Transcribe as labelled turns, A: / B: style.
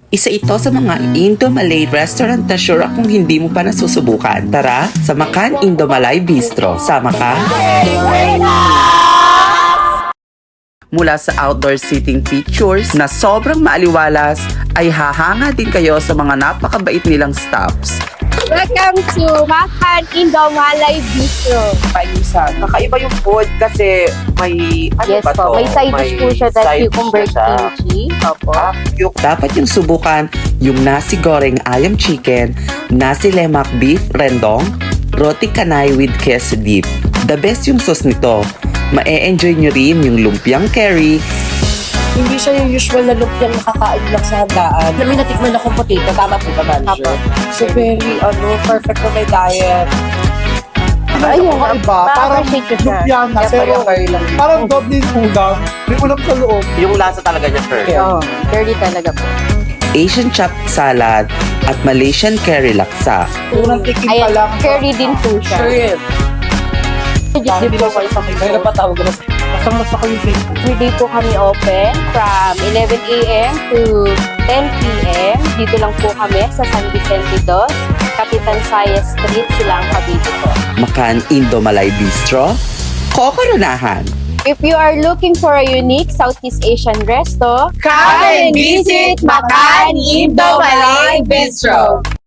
A: Isa ito sa mga Indo-Malay restaurant na sure akong hindi mo pa nasusubukan. Tara, sa Makan Indo-Malay Bistro. Sama ka? Mula sa outdoor seating features na sobrang maaliwalas, ay hahanga din kayo sa mga napakabait nilang staffs.
B: Welcome to Makan Indo-Malay Bistro.
A: Paisa, kakaiba yung food kasi may
B: Yes po, may side dish po siya that cucumber kimchi. Opo.
A: Dapat yung subukan yung nasi goreng ayam chicken, nasi lemak beef rendong, roti canai with queso dip. The best yung sauce nito. Ma-e-enjoy nyo rin yung lumpiang curry.
C: Hindi siya yung usual na lumpiang nakakain lang sa handaan. May natikman akong potato, tama po ba, manager? So very, perfect for my diet.
B: Ayun,
D: Iba, parang
B: ma-appreciate ko siya.
D: lumpia na, pero parang doble yung ulam. May ulam sa loob.
A: Yung lasa talaga niya, curry.
B: Oo, dirty talaga po.
A: Asian chopped salad at Malaysian curry laksa.
D: Unang tikim pa
B: Ayan,
D: lang.
B: curry din po siya.
C: Shrimp.
B: Just
C: Hindi ko kayo sa mga. Kaya napatawag ko na. Masang-masa ko yung Facebook.
B: Everyday po kami open from 11 a.m. to 10 p.m. Dito lang po kami sa San Vicente Dos, Kapitan Saya Street, Silang Cavite po.
A: Makan Indo-Malay Bistro, Kokoronahan.
B: If you are looking for a unique Southeast Asian resto,
C: Come and visit Makan Indo-Malay Bistro.